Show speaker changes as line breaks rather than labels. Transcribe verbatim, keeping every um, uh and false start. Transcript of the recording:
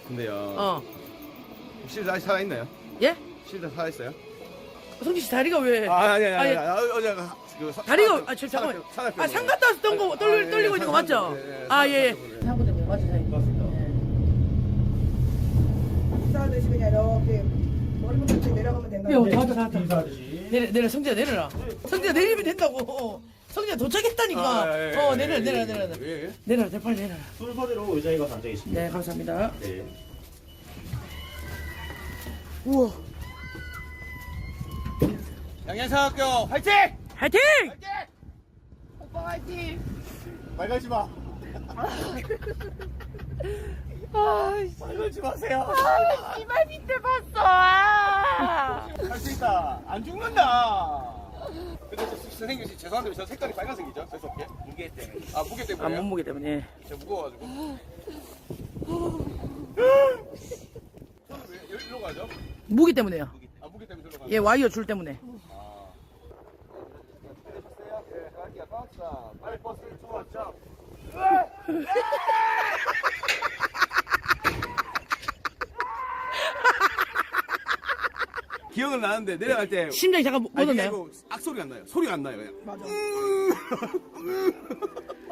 근데요.
어.
실드 아직 살아있나요?
예?
실드 살아있어요?
성진 씨 다리가 왜?
아, 아니, 아니,
아니,
아니. 아니, 어제 그 사-
다리가
산악회-
아, 저, 잠깐만.
산악회- 산악회
아, 산 갔다 와서 떤 거, 떨리,
아, 예,
떨리고
예,
있는 거
산-
맞죠?
예, 예,
아, 예, 예.
산악회 때문에.
사고 때문에 맞죠, 사장님?
맞습니다.
인사 드시면 이렇게 머리부터 이렇게 내려가면 된다.
야, 다 왔다, 다 왔다.
인사하듯이.
내려, 내려, 성진아, 내려라. 성진아, 내리면 된다고. 어. 성진아, 도착했다니까.
아, 예, 예,
어,
예,
내려라,
예,
내려라,
예,
내려라.
예, 예.
내려라, 내 빨리 내려라.
순서대로 의자에 가서 앉아 계십니다.
네, 감사합니다.
네.
우와.
양양사학교 화이팅!
화이팅!
오빠 화이팅! 말 걸지 마. 말 걸지 마세요.
이발 밑에 봤어. 아.
할 수 있다. 안 죽는다. 근데 저 선생님 죄송한데 저 색깔이 빨간색이죠? 죄송해요. 무게 때문에. 아 무게
아,
때문에.
몸무게 때문에.
제가 무거워가지고. 저는 왜 여기로 가죠?
무기 때문에요.
아 무게 때문에 저로 가죠.
예, 와이어 줄 때문에.
되셨어요? 예, 갈게요. 박사. 빨리 버스를 주웠죠. 기억은 나는데 내려갈 때
심장이 잠깐 못
아니, 그게
얻었나요?
아니고 악소리가 안 나요. 소리가 안 나요. 그냥.
맞아.